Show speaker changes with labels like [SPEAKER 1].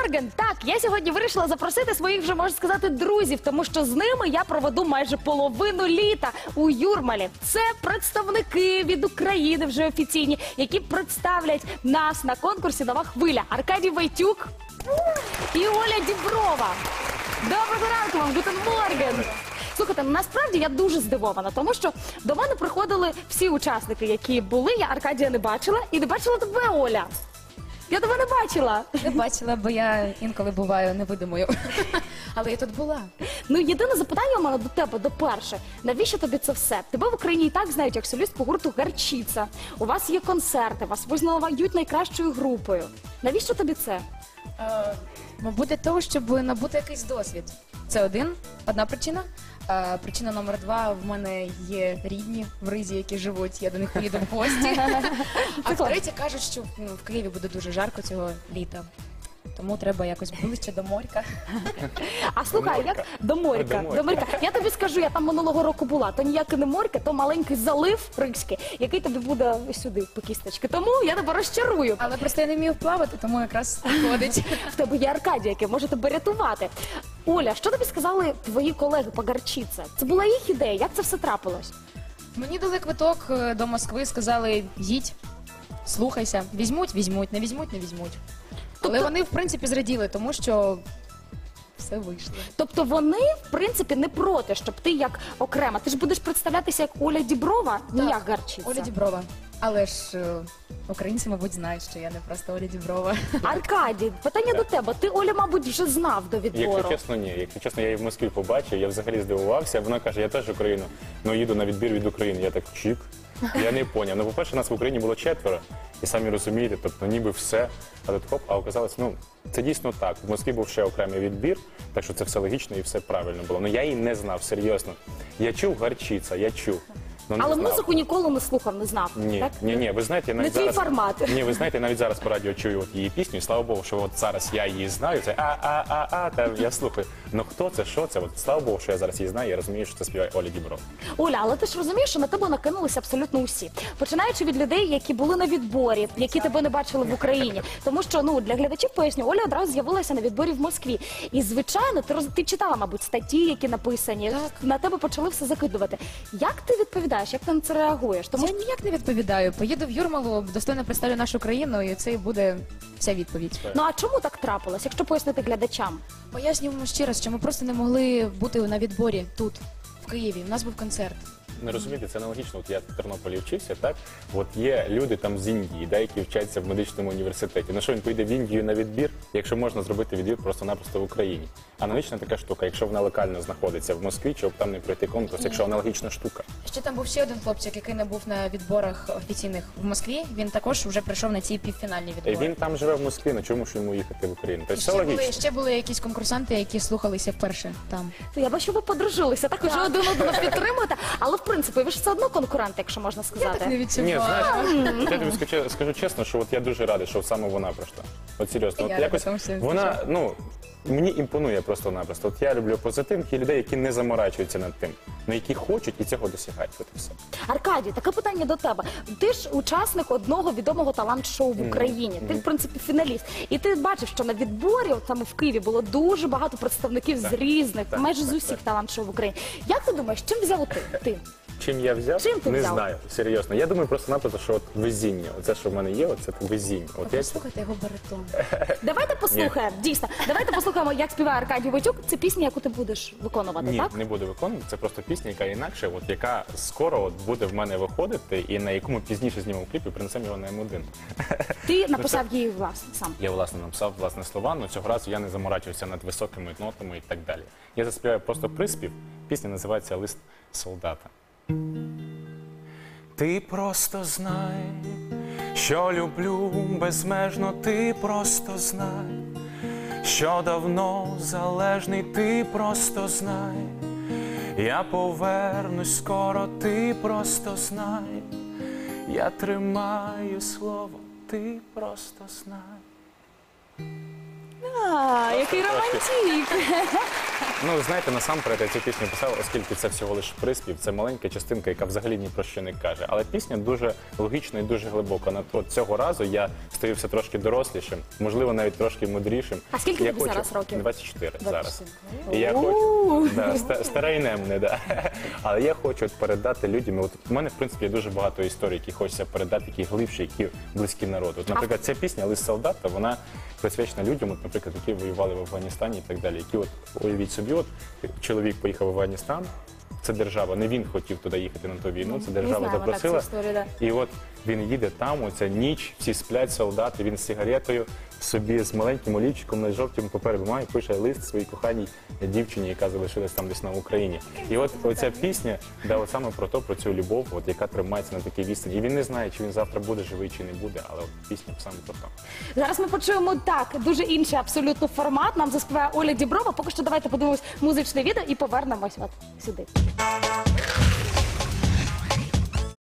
[SPEAKER 1] Морген. Так, я сьогодні вирішила запросити своїх, вже можна сказати, друзів, тому що з ними я проведу майже половину літа у Юрмалі. Це представники від України вже офіційні, які представлять нас на конкурсі «Нова хвиля». Аркадій Войтюк і Оля Діброва. Доброго ранку вам, гутен морген! Слухайте, насправді я дуже здивована, тому що до мене приходили всі учасники, які були. Я Аркадія не бачила і не бачила тебе, Оля. Я тебе не бачила.
[SPEAKER 2] Не бачила, бо я інколи буваю невидимою. Але я тут була.
[SPEAKER 1] Ну, єдине запитання у мене до тебе, до перше. Навіщо тобі це все? Тебе в Україні і так знають як солістку гурту «Гарчиця». У вас є концерти, вас визнають найкращою групою. Навіщо тобі це?
[SPEAKER 2] Мабуть, для того, щоб набути якийсь досвід. Це одна причина. Причина номер 2, в мене є рідні в Ризі, які живуть, я до них поїду в гості. А втретє, кажуть, що в Києві буде дуже жарко цього літа. Тому треба якось ближче до моря.
[SPEAKER 1] А слухай, як до моря? Я тобі скажу, я там минулого року була. То ніяке не моря, то маленький залив ризький, який тобі буде сюди по кісточки. Тому я тебе розчарую.
[SPEAKER 2] Але просто я не вмію плавати, тому якраз виходить.
[SPEAKER 1] В тебе є Аркадій, який може тебе рятувати. Оля, що тобі сказали твої колеги по «Гарчиця»? Це була їх ідея, як це все трапилось?
[SPEAKER 2] Мені дали квиток до Москви, сказали, їдь, слухайся, візьмуть, не візьмуть. Але вони, в принципі, зраділи, тому що все вийшло.
[SPEAKER 1] Тобто вони, в принципі, не проти, щоб ти як окрема. Ти ж будеш представлятися як Оля Діброва, не як «Гарчиця».
[SPEAKER 2] Оля Діброва. Але ж українці, мабуть, знають, що я не просто Оля Діброва.
[SPEAKER 1] Аркадій, питання до тебе. Ти, Оля, мабуть, вже знав до відбору.
[SPEAKER 3] Якщо чесно, ні. Якщо чесно, я її в Москві побачив, я взагалі здивувався. Вона каже, я теж Україну, але їду на відбір від України. Я так, чік. Я не поняв. Ну, по-перше, нас в Україні було 4, і самі розумієте, тобто ніби все, а тут хоп, а оказалось, ну, це дійсно так. В Москві був ще окремий відбір, так що це все логічно і все правильно було. Ну, я її не знав, серйозно. Я чув «Гарчиця», я чув. Ну,
[SPEAKER 1] Але
[SPEAKER 3] знав.
[SPEAKER 1] Музику ніколи не слухав, не знав.
[SPEAKER 3] Ні,
[SPEAKER 1] так?
[SPEAKER 3] ні, ви знаєте, я
[SPEAKER 1] Не
[SPEAKER 3] навіть
[SPEAKER 1] твій
[SPEAKER 3] зараз...
[SPEAKER 1] формат.
[SPEAKER 3] Ні, ви знаєте, навіть зараз по радіо чую от її пісню, і слава Богу, що от зараз я її знаю, це та я слухаю. Ну хто це, що це? От слава Богу, що я зараз її знаю, я розумію, що це співає Оля Діброва.
[SPEAKER 1] Оля, але ти ж розумієш, що на тебе накинулися абсолютно усі. Починаючи від людей, які були на відборі, які тебе не бачили в Україні. Тому що, ну, для глядачів поясню, Оля одразу з'явилася на відборі в Москві. І, звичайно, ти читала, мабуть, статті, які написані, на тебе почали все закидувати. Як ти відповідаєш, як ти на це реагуєш? Тому
[SPEAKER 2] Я ніяк не відповідаю. Поїду в Юрмалу, достойно представлю нашу країну, і це і буде вся відповідь.
[SPEAKER 1] Ну, а чому так трапилось, якщо пояснити глядачам?
[SPEAKER 2] Пояснюємо ще раз, що ми просто не могли бути на відборі тут, в Києві. У нас був концерт.
[SPEAKER 3] Не розумієте, це аналогічно. От я в Тернополі вчився, так? От є люди там з Індії, да, які вчаться в медичному університеті. Ну що, він поїде в Індію на відбір, якщо можна зробити відбір просто-напросто в Україні? Аналогічна така штука, якщо вона локально знаходиться в Москві, чого б там не пройти конкурс, якщо аналогічна штука.
[SPEAKER 2] Ще там був ще один хлопчик, який не був на відборах офіційних в Москві. Він також вже прийшов на ці півфінальні відбори.
[SPEAKER 3] Він там живе в Москві, на чому ж йому їхати в Україну? Тобто все логічно.
[SPEAKER 2] Ще були якісь конкурсанти, які слухалися вперше там.
[SPEAKER 1] Я бачу, ви подружилися, так уже один одного підтримуєте. Але, в принципі, ви ж все одно конкуренти, якщо можна сказати.
[SPEAKER 2] Я так не
[SPEAKER 3] Ні,
[SPEAKER 2] відчувала.
[SPEAKER 3] знаєш, я тобі скажу чесно, що от я дуже радий, що саме вона пройшла. От серйозно,
[SPEAKER 2] Я
[SPEAKER 3] от якось
[SPEAKER 2] рада, тому що
[SPEAKER 3] вона, ну, мені імпонує просто-напросто. От я люблю позитивних і людей, які не заморачуються над тим, але які хочуть і цього досягають. От і все.
[SPEAKER 1] Аркадій, таке питання до тебе. Ти ж учасник одного відомого талант-шоу в Україні. Ти, в принципі, фіналіст. І ти бачив, що на відборі, от саме в Києві, було дуже багато представників з різних, майже з усіх талант-шоу в Україні. Як ти думаєш, чим взяв ти?
[SPEAKER 3] Чим я взяв?
[SPEAKER 1] Чим ти
[SPEAKER 3] не
[SPEAKER 1] взяв?
[SPEAKER 3] знаю, серйозно. Я думаю просто-напросто, що от везіння. Оце, що в мене є, оце везіння. От я...
[SPEAKER 2] Послухайте його баритон.
[SPEAKER 1] Давайте послухаємо, дійсно, давайте послухаємо, як співає Аркадій Войтюк. Це пісня, яку ти будеш виконувати,
[SPEAKER 3] Ні,
[SPEAKER 1] так?
[SPEAKER 3] не буду виконувати. Це просто пісня, яка інакше, от яка скоро от буде в мене виходити, і на яку ми пізніше знімемо кліп і принесемо його на М1.
[SPEAKER 1] Ти написав її власне сам.
[SPEAKER 3] Я, власне, написав власне слова, але цього разу я не заморачувався над високими нотами і так далі. Я заспіваю просто приспів. Пісня називається «Лист солдата». Ти просто знай, що люблю безмежно, ти просто знай, що давно залежний, ти просто знай, я повернусь скоро, ти просто знай, я тримаю слово, ти просто знай.
[SPEAKER 1] Який романтик!
[SPEAKER 3] Ну, знаєте, насамперед я цю пісню писав, оскільки це всього лише приспів, це маленька частинка, яка взагалі ні про що не каже. Але пісня дуже логічна і дуже глибока. От цього разу я стаю все трошки дорослішим, можливо, навіть трошки мудрішим.
[SPEAKER 1] А скільки
[SPEAKER 3] Я
[SPEAKER 1] тобі зараз років?
[SPEAKER 3] 24 зараз. І я хочу, старе і немне, да. Але я хочу передати людям, от у мене, в принципі, є дуже багато історій, які хочеться передати, які глибші, які близькі народу. От, наприклад, ця пісня «Лист солдата», вона присвячена людям, от, наприклад, які воювали в Афганістані і так далі, які, от, уявіть собі, от, чоловік поїхав в Афганістан, це держава, не він хотів туди їхати на ту війну, це держава
[SPEAKER 1] знаємо
[SPEAKER 3] запросила.
[SPEAKER 1] так цю історію, да.
[SPEAKER 3] І от він їде там, оця ніч, всі сплять, солдати, він з сигаретою, собі з маленьким олівчиком на жовтому папері має, пише лист своїй коханій дівчині, яка залишилась там десь на Україні. І от оця пісня, да, от саме про цю любов, от, яка тримається на такій відстані. І він не знає, чи він завтра буде живий, чи не буде, але от пісня саме про то.
[SPEAKER 1] Зараз ми почуємо так, дуже інший абсолютно формат. Нам заспіває Оля Діброва. Поки що давайте подивимось музичне відео і повернемось от сюди.